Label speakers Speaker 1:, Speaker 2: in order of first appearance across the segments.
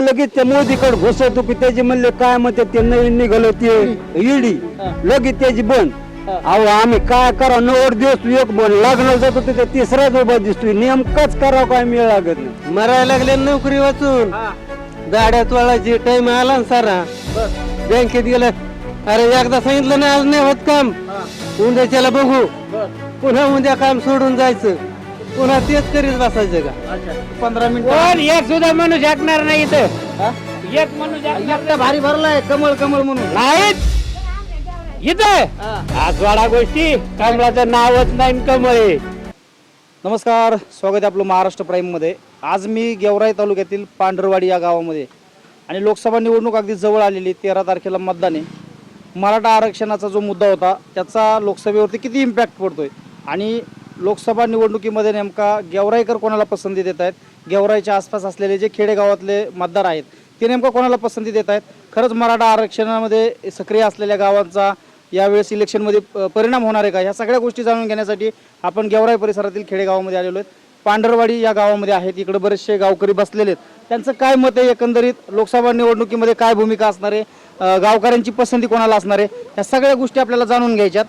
Speaker 1: लगेच त्या मोदीकडे घुसवतो की त्याचे म्हणले काय म्हणते ते नवीन निघालं ते ईडी लगेच त्याची बंद. अहो आम्ही काय करा 9 दिवस एक बन लग्नाला जातो तिथे तिसराच उभा दिसतोय नेमकाच करावं काय मिळ लागत नाही.
Speaker 2: मरायला लागले नोकरी वाचून गाड्या चोळायची टाइम आला ना सारा बँकेत गेलं अरे एकदा सांगितलं नाही आज नाही होत काम उद्याच्याला बघू पुन्हा उद्या काम सोडून जायचं पुन्हा तेच करीत बसायचं का
Speaker 1: 15 मिनिट
Speaker 2: एक सुद्धा माणूस ऐकणार नाही इथं एक माणूस
Speaker 1: भारी भरलाय कमळ कमळ म्हणून
Speaker 2: नाहीत इथं आजवाडा गोष्टी कमळाचं नावच नाही कमळ.
Speaker 1: नमस्कार, स्वागत आहे आपलं महाराष्ट्र प्राईममध्ये. आज मी गेवराई तालुक्यातील पांढरवाडी या गावामध्ये आणि लोकसभा निवडणूक अगदी जवळ आलेली 13 तारखेला मतदान आहे. मराठा आरक्षणाचा जो मुद्दा होता त्याचा लोकसभेवरती किती इम्पॅक्ट पडतोय आणि लोकसभा निवडणुकीमध्ये नेमका गेवराईकर कोणाला पसंती देत आहेत, गेवराईच्या आसपास असलेले जे खेडेगावातले मतदार आहेत ते नेमकं कोणाला पसंती देत आहेत, खरंच मराठा आरक्षणामध्ये सक्रिय असलेल्या गावांचा यावेळेस इलेक्शनमध्ये परिणाम होणार आहे का, ह्या सगळ्या गोष्टी जाणून घेण्यासाठी आपण गेवराई परिसरातील खेडेगावामध्ये आलेलो आहेत. पांढरवाडी या गावामध्ये आहेत, इकडे बरेचसे गावकरी बसलेले आहेत. त्यांचं काय मत आहे, एकंदरीत लोकसभा निवडणुकीमध्ये काय भूमिका असणार आहे, गावकऱ्यांची पसंती कोणाला असणार आहे, ह्या सगळ्या गोष्टी आपल्याला जाणून घ्यायच्यात.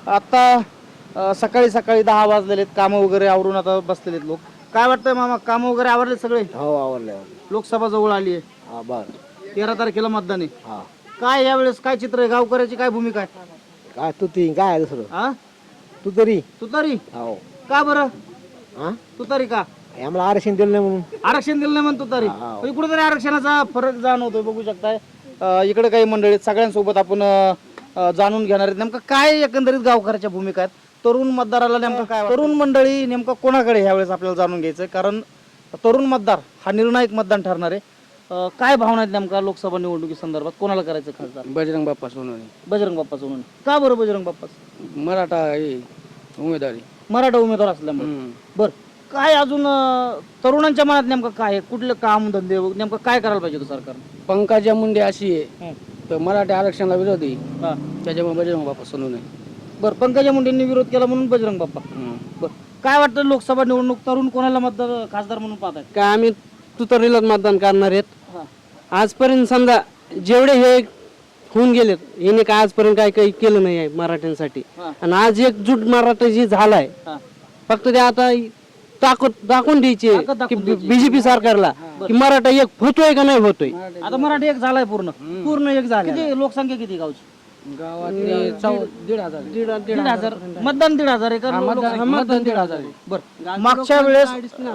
Speaker 1: आता सकाळी 10 वाजलेले आहेत, कामं वगैरे आवरून आता बसलेले आहेत लोक. काय वाटतंय मामा, कामं वगैरे आवरले सगळे?
Speaker 2: हो आवडले
Speaker 1: लोकसभा जवळ आली आहे, 13 तारखेला मतदान आहे. काय यावेळेस काय चित्र आहे, गावकऱ्याची काय भूमिका आहे?
Speaker 2: काय तू ती काय दुसरं
Speaker 1: हा
Speaker 2: तू तरी
Speaker 1: तुतारी
Speaker 2: हो
Speaker 1: का बरं?
Speaker 2: हा
Speaker 1: तुतारी का?
Speaker 2: आम्हाला आरक्षण दिलं नाही म्हणून
Speaker 1: आरक्षण दिलं नाही म्हणतो तुतारी. पण कुठेतरी आरक्षणाचा फरक जाणवतोय, बघू शकताय. इकडे काही मंडळी आहेत, सगळ्यांसोबत आपण जाणून घेणार आहेत नेमकं काय एकंदरीत गावकऱ्याच्या भूमिका आहेत. तरुण मतदाराला नेमकं काय, तरुण मंडळी नेमकं कोणाकडे ह्यावेळेस आपल्याला जाणून घ्यायचं, कारण तरुण मतदार हा निर्णायक मतदान ठरणार आहे. काय भावना आहेत नेमका लोकसभा निवडणुकी संदर्भात, कोणाला करायचं खासदार?
Speaker 2: बजरंग बाप्पा सोनवणे
Speaker 1: बजरंग बाप्पा सोनवणे. का बरं बजरंग बाप्पा?
Speaker 2: मराठा उमेदवारी
Speaker 1: मराठा उमेदवार असल्यामुळे. बर, काय अजून तरुणांच्या मनात नेमकं काय आहे, कुठले काम धंदे नेमकं काय करायला पाहिजे होतं सरकार?
Speaker 2: पंकजा मुंडे अशी आहे तर मराठा आरक्षणाला विरोधी त्याच्यामुळे बजरंग बाप्पा सोनवणे.
Speaker 1: बर, पंकजा मुंडेंनी विरोध केला म्हणून बजरंग बाप्पा. बर, काय वाटतं लोकसभा निवडणूक तरुण कोणाला मतदार खासदार म्हणून पाहतात?
Speaker 2: काय आम्ही तुतारीलाच मतदान करणार आहेत. आजपर्यंत समजा जेवढे हे होऊन गेलेत याने काय आजपर्यंत काय काही केलं नाही आहे मराठ्यांसाठी. आणि आज एकजूट मराठा जी झालाय फक्त ते आता दाखवून द्यायची की बीजेपी सरकारला की मराठा एक होतोय का नाही होतोय.
Speaker 1: आता मराठी एक झालाय, पूर्ण एक झालं. किती लोकसंख्या किती गावची?
Speaker 2: गावात
Speaker 1: 1,500 मतदान 1,500 आहे का?
Speaker 2: मतदान 1,500.
Speaker 1: बरं, मागच्या वेळेस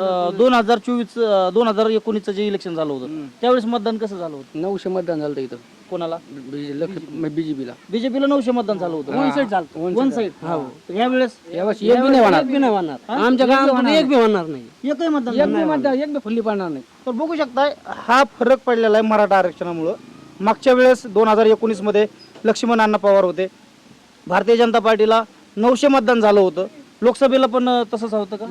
Speaker 1: 2019 जे इलेक्शन झालं होतं त्यावेळेस मतदान कसं झालं होतं?
Speaker 2: 900 मतदान झालं इथं.
Speaker 1: कोणाला?
Speaker 2: बीजेपीला
Speaker 1: 900 मतदान झालं होतं. वन साईड झालं, वन साईड. यावेळेस
Speaker 2: एक बी नाही होणार आमच्या गावामध्ये, एक बी होणार नाही,
Speaker 1: एकही मतदान
Speaker 2: एक बी फुल्ली पडणार नाही.
Speaker 1: तर बघू शकताय हा फरक पडलेला आहे मराठा आरक्षणामुळं. मागच्या वेळेस 2019 मध्ये लक्ष्मण अण्णा पवार होते, भारतीय जनता पार्टीला 900 मतदान झालं होतं. लोकसभेला पण तसंच होतं का?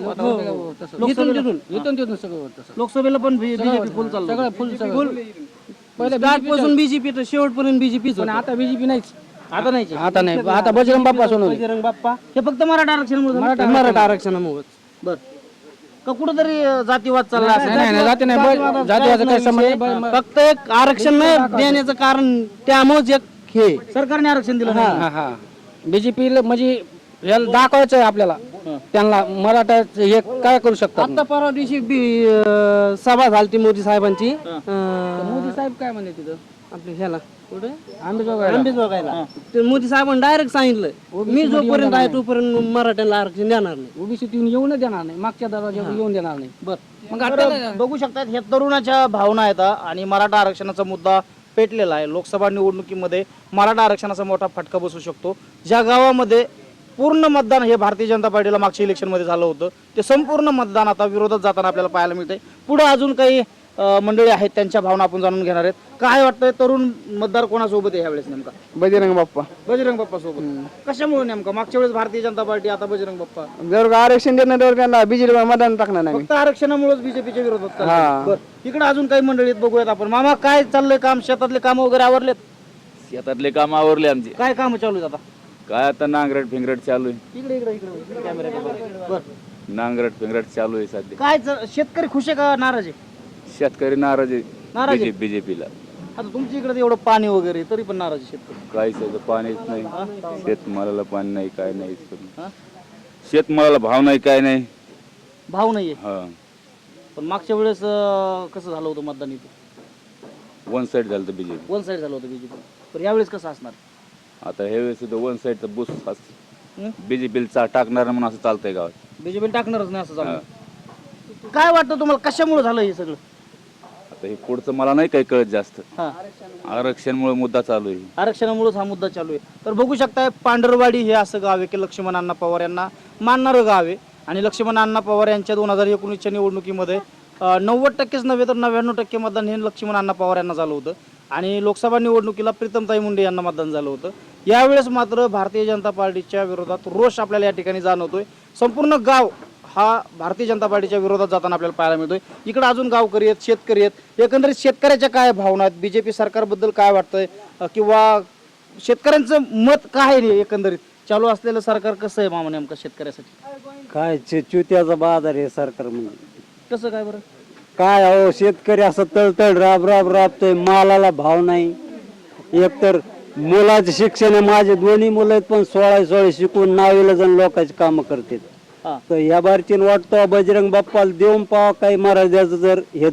Speaker 1: लोकसभेला पण बीजेपी फुल चाललं,
Speaker 2: फुल पासून बीजेपी तर शेवटपर्यंत बीजेपी. आता बीजेपी नाहीच,
Speaker 1: आता नाही.
Speaker 2: आता नाही, आता बजरंग बाप्पा सोनवणे.
Speaker 1: बजरंग बाप्पा हे फक्त मराठा आरक्षणामुळे.
Speaker 2: मराठा आरक्षणामुळे
Speaker 1: बर, का कुठेतरी जातीवाद चालला असेल?
Speaker 2: जातीवाद काही संबंध नाही.
Speaker 1: फक्त एक आरक्षण नाही देण्याचं कारण त्यामुळेच एक हे सरकारने आरक्षण दिलं नाही.
Speaker 2: बीजेपीला म्हणजे याला दाखवायचं आहे आपल्याला त्यांना मराठा हे काय करू शकतात.
Speaker 1: आता परवा दिवशी सभा झाली मोदी साहेबांची.
Speaker 2: मोदी साहेब काय म्हणले तिथं
Speaker 1: आपल्या ह्याला कुठे
Speaker 2: आंबेजोगाईला
Speaker 1: ते मोदी साहेबांनी डायरेक्ट सांगितलं मी जोपर्यंत आहे तोपर्यंत मराठ्याला आरक्षण देणार नाही,
Speaker 2: ओबीसीत येऊन देणार नाही, मागच्या दरवाजा येऊन देणार नाही.
Speaker 1: बर, मग आता बघू शकतात हे तरुणाच्या भावना आहेत आणि मराठा आरक्षणाचा मुद्दा पेटलेला आहे. लोकसभा निवडणुकीमध्ये मराठा आरक्षणाचा मोठा फटका बसू शकतो. ज्या गावामध्ये पूर्ण मतदान हे भारतीय जनता पार्टीला मागच्या इलेक्शनमध्ये झालं होतं ते संपूर्ण मतदान आता विरोधात जाताना आपल्याला पाहायला मिळतंय. पुढे अजून काही मंडळी आहेत त्यांच्या भावना आपण जाणून घेणार आहेत. काय वाटतंय तरुण मतदार कोणासोबत आहे ह्यावेळेस नेमका?
Speaker 2: बजरंग बाप्पा.
Speaker 1: बजरंग बाप्पा सोबत. कशामुळे नेमका? मागच्या वेळेस भारतीय जनता पार्टी, आता बजरंग बाप्पा.
Speaker 2: जर आरक्षण देणार त्यांना बीजेपी मतदान टाकणार नाही.
Speaker 1: फक्त आरक्षणामुळेच बीजेपीच्या विरोधात. इकडे अजून काही मंडळीत बघूयात आपण. मामा काय चाललंय काम? शेतातले काम वगैरे आवरलेत?
Speaker 3: शेतातले काम आवरले आमचे.
Speaker 1: काय काम चालू आहेत आता?
Speaker 3: काय आता नांगरट फिंगरट चालू आहे.
Speaker 1: इकडे इकडे इकडे कॅमेरा. बर,
Speaker 3: नांगरट फिंगरट चालू आहे सध्या.
Speaker 1: काय शेतकरी खुश आहे का नाराज आहे?
Speaker 3: शेतकरी नाराज आहे.
Speaker 1: नाराज आहे?
Speaker 3: बीजेपीला.
Speaker 1: आता तुमच्या इकडे एवढं पाणी वगैरे तरी पण नाराज आहे शेतकरी.
Speaker 3: काहीच आहे, पाणीच नाही, शेतमालाला पाणी नाही, काय नाही,
Speaker 1: हा?
Speaker 3: शेतमालाला भाव नाही, काय नाही.
Speaker 1: भाव नाहीये.
Speaker 3: हा,
Speaker 1: पण मागच्या वेळेस कसं झालं होतं मतदान इथे?
Speaker 3: वन साईड झालं बीजेपी.
Speaker 1: वन साईड झालं होतं बीजेपी. तर यावेळेस कसं असणार?
Speaker 3: आता हे वेळेस सुद्धा वन साईडचा बुस
Speaker 1: हं?
Speaker 3: बीजेपीला टाकणार म्हणून असं चालतंय गावात.
Speaker 1: बीजेपी टाकणारच नाही असं झालं. काय वाटतं तुम्हाला कशामुळे झालं हे सगळं?
Speaker 3: आता हे पुढचं मला नाही काही कळत जास्त.
Speaker 1: हा,
Speaker 3: आरक्षणमुळे मुद्दा चालू आहे.
Speaker 1: आरक्षणामुळेच हा मुद्दा चालू आहे. तर बघू शकताय पांढरवाडी हे असं गाव आहे की लक्ष्मण अण्णा पवार यांना मानणारं गाव आहे. आणि लक्ष्मण अण्णा पवार यांच्या 2019च्या निवडणुकीमध्ये 90%च नव्हे तर 99% मतदान हे लक्ष्मण अण्णा पवार यांना झालं होतं. आणि लोकसभा निवडणुकीला प्रीतमताई मुंडे यांना मतदान झालं होतं. यावेळेस मात्र भारतीय जनता पार्टीच्या विरोधात रोष आपल्याला या ठिकाणी जाणवतोय. संपूर्ण गाव हा भारतीय जनता पार्टीच्या विरोधात जाताना आपल्याला पाहायला मिळतोय. इकडे अजून गावकरी आहेत, शेतकरी आहेत. एकंदरीत शेतकऱ्याच्या काय भावना आहेत, बीजेपी सरकारबद्दल काय वाटतंय, किंवा शेतकऱ्यांचं मत काय आहे एकंदरीत? चालू असलेलं सरकार कसं आहे मामा नेमकं शेतकऱ्यासाठी?
Speaker 2: काय चुत्याचा बाजार आहे सरकार म्हणजे.
Speaker 1: कसं काय बरं?
Speaker 2: काय अहो शेतकरी असं तळतळ राबतोय, मालाला भाव नाही. एकतर मुलाचं शिक्षण आहे, माझे दोन्ही मुलं आहेत पण 16 शिकून नावीला जण लोकांची कामं करतात.
Speaker 1: हा.
Speaker 2: तर या बारचीन वाटतो बजरंग बाप्पाला देऊन पावा काही महाराजाचं जर हे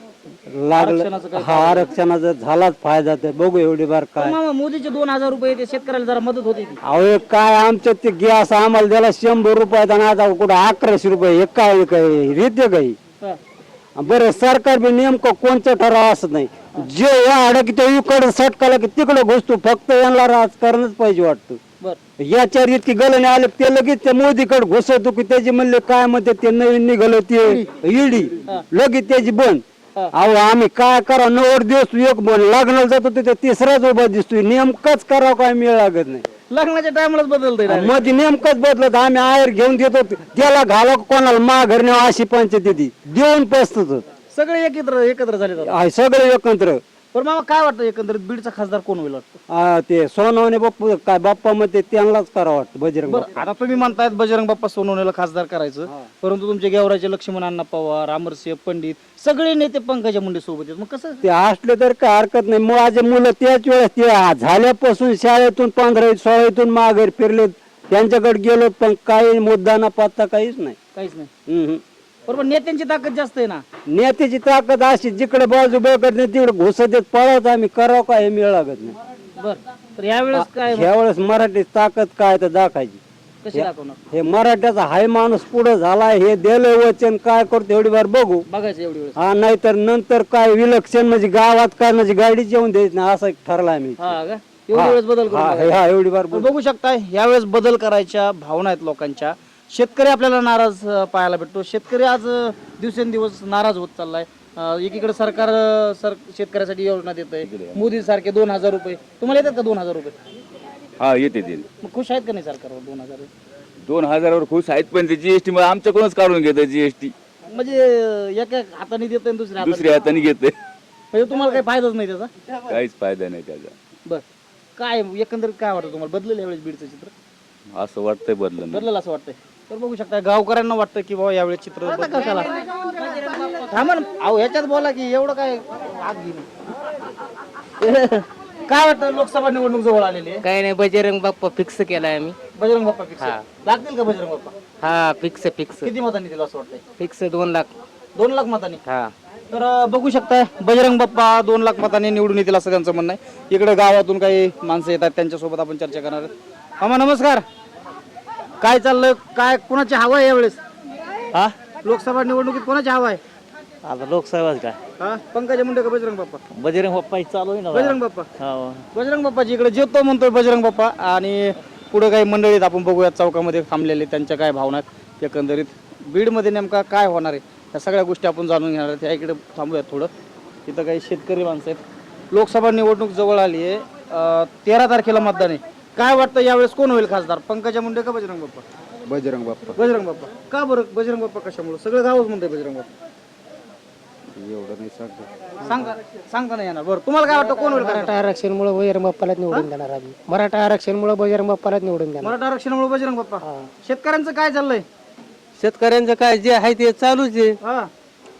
Speaker 1: आरक्षणाचं
Speaker 2: लागलं. हा आरक्षणाचा जर झालाच फायदा तर बघू एवढी बार
Speaker 1: पण
Speaker 2: काय.
Speaker 1: मामा मोदीचे 2000 रुपये ते शेतकऱ्याला जरा मदत होती ती.
Speaker 2: अहो काय आमच्या ते गॅस आम्हाला द्यायला 100 रुपयात आणि आता कुठं 1100 रुपये हे काय काय रीते काही.
Speaker 1: हा.
Speaker 2: बरं सरकार बी नेमकं कोणतं ठराव असत नाही. जे या अडक इकडे सटकाला की तिकडे घुसतो. फक्त यांना राजकारणच पाहिजे वाटतं.
Speaker 1: बर
Speaker 2: याच्या इतकी गलने आले ते लगेच त्या मोदीकडे घुसवतो की त्याची म्हणले काय म्हणते ते नवीन निघालं ते ईडी लगेच त्याची बंद. अहो आम्ही काय करा 90 दिवस एक बन लग्नाला जातो तिथे तिसराच उभा दिसतोय. नेमकंच करावं काय मिळ लागत नाही.
Speaker 1: लग्नाच्या टायमालाच बदलतंय.
Speaker 2: मध्ये नेमकंच बदलत आम्ही आयर घेऊन देतो त्याला घाला कोणाला माघार नेवा अशी पंचायती देऊन पसत
Speaker 1: सगळे एकत्र झाले आता.
Speaker 2: सगळे एकत्र.
Speaker 1: पण मामा काय वाटतं एकंदरीत बीडचा खासदार कोण होईल वाटतं?
Speaker 2: ते सोनवणे बाप्पू काय बाप्पा मध्ये त्यांनाच करावं वाटतं बजरंग
Speaker 1: बरं, आता तुम्ही म्हणतायत बजरंग बाप्पा सोनवणेला खासदार करायचं, परंतु तुमचे गेवराचे लक्ष्मण अण्णा पवार, अमरसिंह पंडित सगळे नेते पंकजा मुंडे सोबत आहेत. मग कसं?
Speaker 2: ते असले तर काय हरकत नाही. माझे मुलं त्याच वेळेस ते झाल्यापासून शाळेतून 15-16 माघारी फिरले त्यांच्याकडे गेलो पण काही मुद्दा ना पत्ता काहीच नाही.
Speaker 1: काहीच नाही. बरोबर, नेत्यांची ताकद जास्त आहे ना.
Speaker 2: नेत्याची ताकद अशी जिकडे बाजू बघत नाही तिकडे घुसत देत पळत आम्ही करावं काय हे मिळ लागत नाही.
Speaker 1: बर, तर यावेळेस काय
Speaker 2: ह्यावेळेस मराठी ताकद काय तर दाखायची.
Speaker 1: कशी दाखवणार?
Speaker 2: हे मराठ्याचा हाय माणूस पुढे झालाय हे दिलं वचन काय करतो एवढी बार बघू.
Speaker 1: बघायचं एवढी वेळेस.
Speaker 2: हा नाहीतर नंतर काय विलक्षण म्हणजे गावात काय म्हणजे गाडी जेवून द्यायची नाही असं ठरला आम्ही.
Speaker 1: हा का? एवढी वेळेस बदल करून बघायचं.
Speaker 2: हा एवढी बार
Speaker 1: तर बघू शकता यावेळेस बदल करायच्या भावना आहेत लोकांच्या. शेतकरी आपल्याला नाराज पाहायला भेटतो. शेतकरी आज दिवसेंदिवस नाराज होत चाललाय. एकीकडे सरकार शेतकऱ्यासाठी योजना देत आहे, मोदी सारखे 2000 रुपये. तुम्हाला येतात का 2000 रुपये?
Speaker 3: हा येते.
Speaker 1: मग खुश आहेत का नाही सरकारवर 2000?
Speaker 3: 2000वर खुश आहेत पण ते जीएसटी मध्ये आमच्याकडूनच काढून घेत. जीएसटी
Speaker 1: म्हणजे एका हाताने देत आणि
Speaker 3: दुसऱ्या हाताने घेते.
Speaker 1: म्हणजे तुम्हाला काही फायदाच नाही त्याचा?
Speaker 3: काहीच फायदा नाही त्याचा.
Speaker 1: बर, काय एकंदरीत काय वाटतं तुम्हाला? बदलेल यावेळेस बीडचं चित्र?
Speaker 3: असं वाटतंय बदलणं.
Speaker 1: असं वाटतंय. तर बघू शकता गावकऱ्यांना वाटतं की बाबा यावेळेस चित्र कशाला थांबा ना. अहो ह्याच्यात बोला की एवढं काय आग घेऊन. काय वाटतं लोकसभा निवडणूक जवळ आलेली आहे?
Speaker 4: काय नाही बजरंग बाप्पा फिक्स केलाय आम्ही.
Speaker 1: बजरंग बाप्पा फिक्स लागतील का? बजरंग बाप्पा
Speaker 4: हा फिक्स
Speaker 1: किती मतांनी दिलं असं वाटतंय?
Speaker 4: फिक्स 2 लाख.
Speaker 1: 2 लाख मतांनी.
Speaker 4: हा
Speaker 1: तर बघू शकताय बजरंग बाप्पा 2 लाख मतांनी निवडून येतील असं त्यांचं म्हणणं आहे. इकडे गावातून काही माणसं येतात त्यांच्यासोबत आपण चर्चा करणार आहोत. मामा नमस्कार. काय चाललंय? काय कोणाची हवा आहे यावेळेस?
Speaker 2: हा
Speaker 1: लोकसभा निवडणुकीत कोणाची हवा आहे?
Speaker 2: आता लोकसभा काय
Speaker 1: हा, पंकजा मुंडे का बजरंग बाप्पा?
Speaker 2: बजरंग बाप्पा चालू आहे ना.
Speaker 1: बजरंग बाप्पा. बजरंग बाप्पाची इकडे जेतो म्हणतोय बजरंग बाप्पा. आणि पुढे काही मंडळीत आपण बघूया चौकामध्ये थांबलेले त्यांच्या काय भावना आहेत. एकंदरीत बीडमध्ये नेमका काय होणार आहे या सगळ्या गोष्टी आपण जाणून घेणार आहेत. या इकडे थांबूयात थोडं. इथं काही शेतकरी माणसं आहेत. लोकसभा निवडणूक जवळ आली आहे. 13 तारखेला मतदान आहे. काय वाटतं यावेळेस कोण होईल खासदार? पंकजा मुंडे का बजरंग बाप्पा?
Speaker 5: बजरंग बाप्पा.
Speaker 1: बजरंग बाप्पा. का बरं बजरंग बाप्पा कशामुळे? सगळं गावच म्हणतंय बजरंग बाप्पा.
Speaker 5: एवढं नाही सांगतो.
Speaker 1: सांगता नाही येणार. बरं, तुम्हाला काय वाटतं कोण होईल खासदार?
Speaker 4: मराठा आरक्षणमुळे बजरंग बाप्पालाच निवडून देणार आम्ही. मराठा आरक्षणमुळे बजरंग बाप्पालाच निवडून देणार.
Speaker 1: मराठा आरक्षणामुळे बजरंग बाप्पा. शेतकऱ्यांचं काय चाललंय?
Speaker 2: शेतकऱ्यांचं काय जे आहे ते चालूच आहे.
Speaker 1: हा,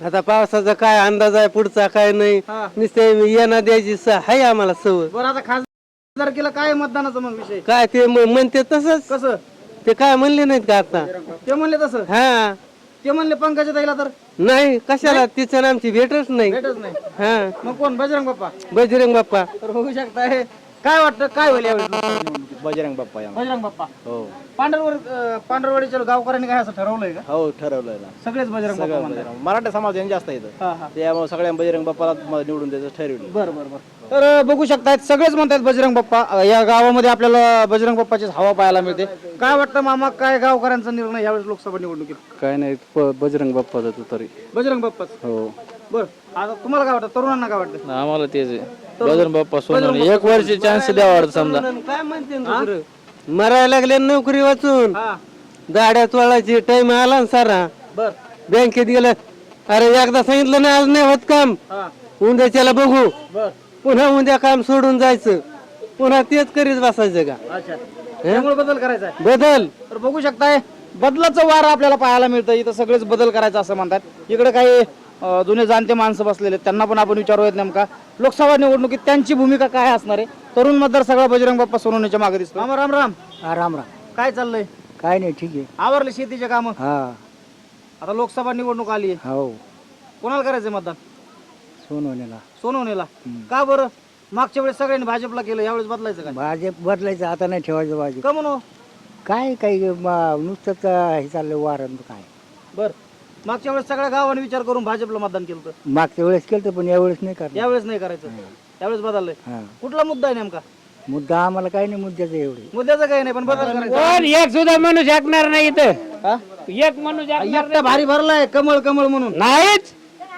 Speaker 2: आता पावसाचा काय अंदाज आहे पुढचा काय नाही
Speaker 1: हा.
Speaker 2: नुसते येणं द्यायची आहे आम्हाला सवय
Speaker 1: बरं आता खासदारकीला काय मतदानाचा मग विषय
Speaker 2: काय ते म्हणते तसंच
Speaker 1: कसं
Speaker 2: ते काय म्हणले नाहीत का आता
Speaker 1: ते म्हणले तसं
Speaker 2: हा
Speaker 1: ते म्हणले पंकजा ताईला तर
Speaker 2: नाही कशाला तिचं आणि आमची भेटच नाही
Speaker 1: भेटच नाही
Speaker 2: हा
Speaker 1: मग कोण बजरंग बाप्पा
Speaker 2: बजरंग बाप्पा
Speaker 1: तर होऊ शकताय काय वाटतं काय होईल यावेळी लोकसभा निवडणुकीत?
Speaker 5: बजरंग बाप्पा
Speaker 1: बजरंग बाप्पा
Speaker 5: हो
Speaker 1: पांढरवाडीच्या गावकऱ्यांनी काय असं ठरवलंय का
Speaker 5: हो ठरवलंय ना
Speaker 1: सगळेच बजरंग बाप्पा म्हणतात.
Speaker 5: मराठा समाज जास्त येतं
Speaker 1: हा हा
Speaker 5: त्यामुळे सगळ्या बजरंग बाप्पाला निवडून द्यायचं ठरवलं.
Speaker 1: बरं बरं बरं तर बघू शकतायत सगळेच म्हणतात बजरंग बाप्पा या गावामध्ये आपल्याला बजरंग बाप्पाचीच हवा पाहायला मिळते. काय वाटतं मामा काय गावकऱ्यांचा निर्णय यावेळेस लोकसभा निवडणुकीत?
Speaker 5: काय नाही बजरंग बाप्पा जातो तरी
Speaker 1: बजरंग बाप्पाच
Speaker 5: हो
Speaker 1: बरं आता तुम्हाला काय वाटतं तरुणांना काय वाटतं?
Speaker 3: आम्हाला तेच आहे बजरंग बाप्पा सोनवणे एक वर्ष चान्स द्यावा वाटतं समजा.
Speaker 2: काय म्हणते दुसरं मरायला लागले नोकरी वाचून
Speaker 1: हा
Speaker 2: गाड्या चोळायची टाइम आला ना सारा
Speaker 1: बर
Speaker 2: बँकेत गेलं अरे एकदा सांगितलं ना आज नाही होत काम
Speaker 1: हा
Speaker 2: उद्याच्याला बघू
Speaker 1: बर
Speaker 2: पुन्हा उद्या काम सोडून जायचं पुन्हा तेच करीत बसायचं का
Speaker 1: अच्छा त्यामुळे बदल करायचा आहे.
Speaker 2: बदल
Speaker 1: तर बघू शकताय बदलाचं वार आपल्याला पाहायला मिळतं. इथं सगळेच बदल करायचं असं म्हणतात. इकडे काही जुने जाणते माणसं बसलेले आहेत. त्यांना पण आपण विचारूयात नेमका लोकसभा निवडणुकीत त्यांची भूमिका काय असणार आहे. तरुण मतदार सगळा बजरंग बाप्पा सोनवण्याच्या मागे दिसतो. राम राम राम
Speaker 4: राम राम
Speaker 1: काय चाललंय?
Speaker 4: काय नाही ठीक आहे
Speaker 1: आवरले शेतीचे काम?
Speaker 4: हा
Speaker 1: आता लोकसभा निवडणूक आली आहे.
Speaker 4: हो
Speaker 1: कोणाला करायचंय मतदान?
Speaker 4: सोनवण्याला
Speaker 1: सोनवणेला. का बरं? मागच्या वेळेस सगळ्यांनी भाजपला केलं, यावेळेस बदलायचं काय?
Speaker 4: भाजप बदलायचं आता नाही ठेवायचं भाजप
Speaker 1: का म्हणून?
Speaker 4: काय काही नुसतंच हे चाललं वारण काय
Speaker 1: बर मागच्या वेळेस सगळ्या गावाने विचार करून भाजपला मतदान केलं होतं.
Speaker 4: मागच्या वेळेस केलं पण यावेळेस नाही करणार
Speaker 1: यावेळेस नाही करायचं. यावेळेस बदललंय.
Speaker 4: हा
Speaker 1: कुठला मुद्दा आहे नेमका?
Speaker 4: मुद्दा आम्हाला काही नाही मुद्द्याचं एवढे
Speaker 1: मुद्द्याचं काही नाही पण बदल करायचा.
Speaker 2: एक सुद्धा माणूस ऐकणार नाही इथं
Speaker 1: हा?
Speaker 2: एक माणूस
Speaker 1: एकटा भारी भरलाय कमळ कमळ म्हणून.
Speaker 2: नाहीच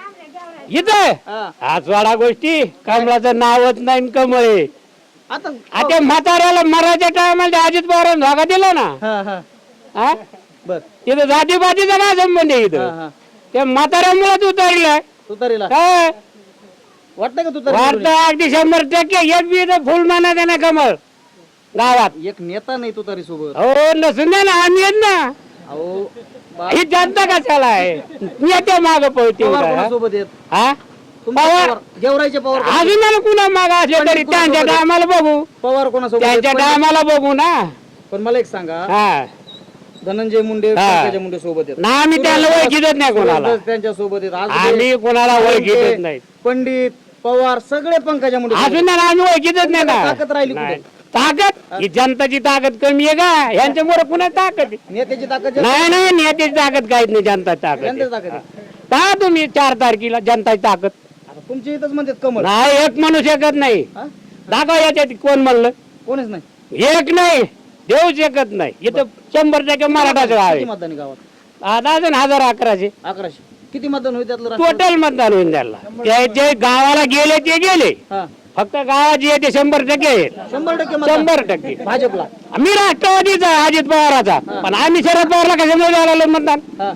Speaker 2: इथं
Speaker 1: हा.
Speaker 2: आज वाडा गोष्टी कमळाचं नावच नाही कमळे
Speaker 1: आता
Speaker 2: आता म्हाताऱ्याला मराठ्या टायमाला अजित पवार धागा दिला ना
Speaker 1: हा हा
Speaker 2: हा
Speaker 1: बर
Speaker 2: इथं जातीपातीचा काय संबंध आहे
Speaker 1: हा
Speaker 2: इथं
Speaker 1: हा
Speaker 2: त्या म्हाताऱ्यामुळेच उतरलाय
Speaker 1: तुतारीला
Speaker 2: काय
Speaker 1: वाटतं का तुतारी?
Speaker 2: वाटतं अगदी 100% एक बी इथं फुल माना ना कमळ गावात
Speaker 1: एक नेता नाही तुतारी सोबत.
Speaker 2: हो नसून द्या ना आम्ही आहेत ना
Speaker 1: अहो
Speaker 2: ही जनता कशाला आहे नेत्या माग पळते
Speaker 1: पवार
Speaker 2: उगा, हा?
Speaker 1: कोणासोबत आहेत?
Speaker 2: हा
Speaker 1: तुमचे
Speaker 2: पवार
Speaker 1: पवार गेवराईचे पवार
Speaker 2: अजून मला कुणा माग असले तरी त्यांच्या टायमाला बघू
Speaker 1: पवार कोणासोबत आहेत?
Speaker 2: त्यांच्या टायमाला बघू ना
Speaker 1: पण मला एक सांगा
Speaker 2: हा
Speaker 1: धनंजय मुंडे
Speaker 2: हा.
Speaker 1: पंकजा मुंडे सोबत आहेत.
Speaker 2: ना आम्ही त्याला ओळखीतच नाही कोणाला
Speaker 1: सुरेश त्यांच्या सोबत आहेत. आज
Speaker 2: आम्ही कोणाला ओळखीतच नाही
Speaker 1: पंडित पवार सगळे पंकजा मुंडे सोबत
Speaker 2: अजून आम्ही ओळखीतच नाही ना
Speaker 1: ताकद राहिली कुठे?
Speaker 2: नाही. ताकद ही जनताची ताकद कमी आहे का यांच्यामुळे पुन्हा ताकद आहे.
Speaker 1: आहेत. नेत्याची ताकद जास्त
Speaker 2: नाही नाही नेत्याची ताकद काहीच नाही जनताची ताकद आहे.
Speaker 1: जनतेची ताकद आहे.
Speaker 2: पहा तुम्ही 4 तारखेला जनताची ताकद
Speaker 1: आता तुमच्या इथंच म्हणतात कमळ.
Speaker 2: नाही एक माणूस एकत नाही
Speaker 1: हा?
Speaker 2: दाखवा याच्यात कोण म्हणलं
Speaker 1: कोणीच नाही.
Speaker 2: एक नाही देऊ शकत नाही इथं 100% मराठाचं गाव
Speaker 1: किती
Speaker 2: आहे
Speaker 1: मतदान आहे गावात?
Speaker 2: आता अजून 1011
Speaker 1: 1100. किती मतदान होईल त्यातलं राष्ट्रवादी?
Speaker 2: टोटल मतदान होईल त्याला ते जे गावाला गेले ते गेले
Speaker 1: हा
Speaker 2: फक्त गावात जे ते 100% आहे
Speaker 1: 100% मतदान
Speaker 2: 100%
Speaker 1: भाजपला.
Speaker 2: मी राष्ट्रवादीचा आहे, अजित पवाराचा पण आम्ही शरद पवारला कशामुळे द्यायला मतदान
Speaker 1: हा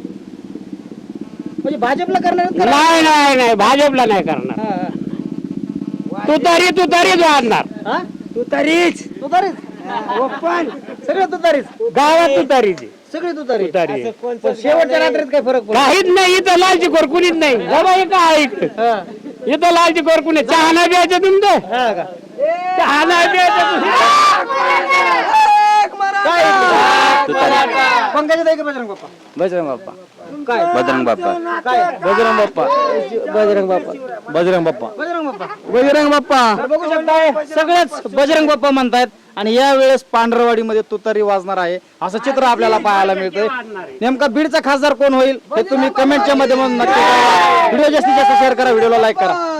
Speaker 1: म्हणजे भाजपला करणार आहेत का?
Speaker 2: नाही नाही नाही भाजपला नाही करणार
Speaker 1: हा, हा.
Speaker 2: तुतारीच वाढणार
Speaker 1: हा?
Speaker 2: तुतारीच
Speaker 1: तुतारीच सगळे तुतारीच
Speaker 2: गावात तुतारीची
Speaker 1: सगळे तुतारी.
Speaker 2: तुतारी
Speaker 1: पण शेवटच्या रात्रीत काय फरक पडतो?
Speaker 2: काहीच नाही इथं लालची खोर कुणीच नाही बाबा हे काय इथं
Speaker 1: हा.
Speaker 2: इथं लालची खोर कुणी चहा नाही प्यायचं तुमचं
Speaker 1: हा का?
Speaker 2: चहा नाही प्यायचं
Speaker 1: काय? पंकजा ताई का बजरंग बाप्पा?
Speaker 5: बजरंग बाप्पा
Speaker 1: काय
Speaker 3: बजरंग बाप्पा
Speaker 1: काय
Speaker 5: बजरंग बाप्पा बजरंग बाप्पा बजरंग बाप्पा
Speaker 1: बजरंग बाप्पा.
Speaker 5: बजरंग बाप्पा
Speaker 1: तर बघू शकताय सगळेच बजरंग बाप्पा म्हणतायत आणि या वेळेस पांढरवाडीमध्ये तुतारी वाजणार आहे असं चित्र आपल्याला पाहायला मिळतंय. नेमका बीडचा खासदार कोण होईल हे तुम्ही कमेंटच्या माध्यमातून नक्की कळवा. व्हिडिओ जास्तीत जास्त शेअर करा, व्हिडिओला लाईक करा.